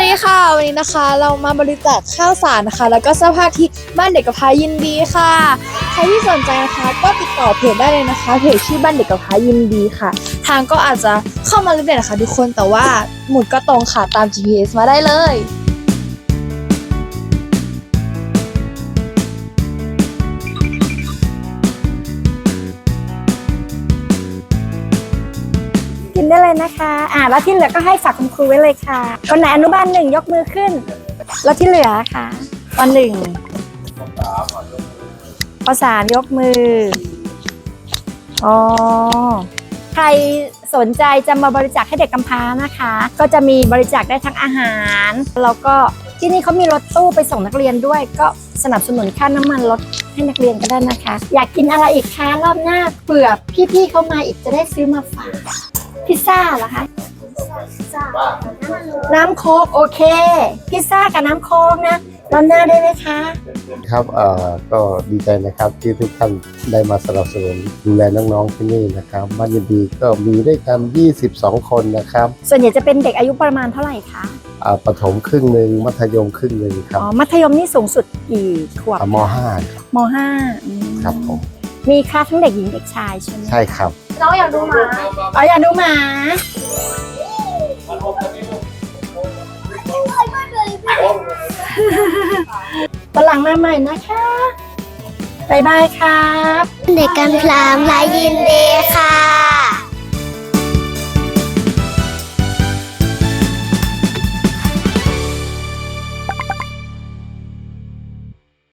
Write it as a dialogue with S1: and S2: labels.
S1: ดีค่ะวันนี้นะคะเรามาบริจาคข้าวสารนะคะแล้วก็เสื้อผ้าที่บ้านเด็กกำพร้ายินดีค่ะใครที่สนใจนะคะก็ติดต่อเพจได้เลยนะคะเพจชื่อบ้านเด็กกำพร้ายินดีค่ะทางก็อาจจะเข้ามาเรื่อยๆนะคะทุกคนแต่ว่าหมุดก็ตรงค่ะตาม GPS มาได้เลย
S2: กินได้เลยนะคะแล้วที่เหลือก็ให้ฝากคุณครูไว้เลยค่ะคนไหนอนุบาล1ยกมือขึ้นแล้วที่เหลือค่ะป.1 ป.3 ยกมือใครสนใจจะมาบริจาคให้เด็กกำพร้านะคะก็จะมีบริจาคได้ทั้งอาหารแล้วก็ที่นี่เขามีรถตู้ไปส่งนักเรียนด้วยก็สนับสนุนค่าน้ำมันรถให้นักเรียนก็ได้นะคะอยากกินอะไรอีกคะรอบหน้าเผื่อพี่ๆเขามาอีกจะได้ซื้อมาฝากพิซซ่าเหรอคะน้ำโค้กโอเคพิซซ่ากับน้ำโค้กนะรอบหน้าได้ไหมคะ
S3: ครับก็ดีใจนะครับที่ทุกท่านได้มาสนับสนุนดูแลน้องๆที่นี่นะครับบ้านยินดีก็มีด้วยกัน22 คนนะครับ
S2: ส่วนใหญ่จะเป็นเด็กอายุประมาณเท่าไหร่คะ
S3: ประถมครึ่งหนึ่งมัธยมครึ่งหนึ่งครับ
S2: มัธยมนี่สูงสุดกี่ขวบ
S3: ม.5 ครับ
S2: ม.5
S3: ครับผม
S2: มีคลาสทั้งเด็กหญิงเด็กชายใช่ไหม
S3: ใช่ครับ
S1: น้องอยากดูหมา
S2: อยากดูหมาตอนหลังมาใหม่นะคะบ๊ายบายครับ
S4: เด็กกำพร้ายินดีค่ะ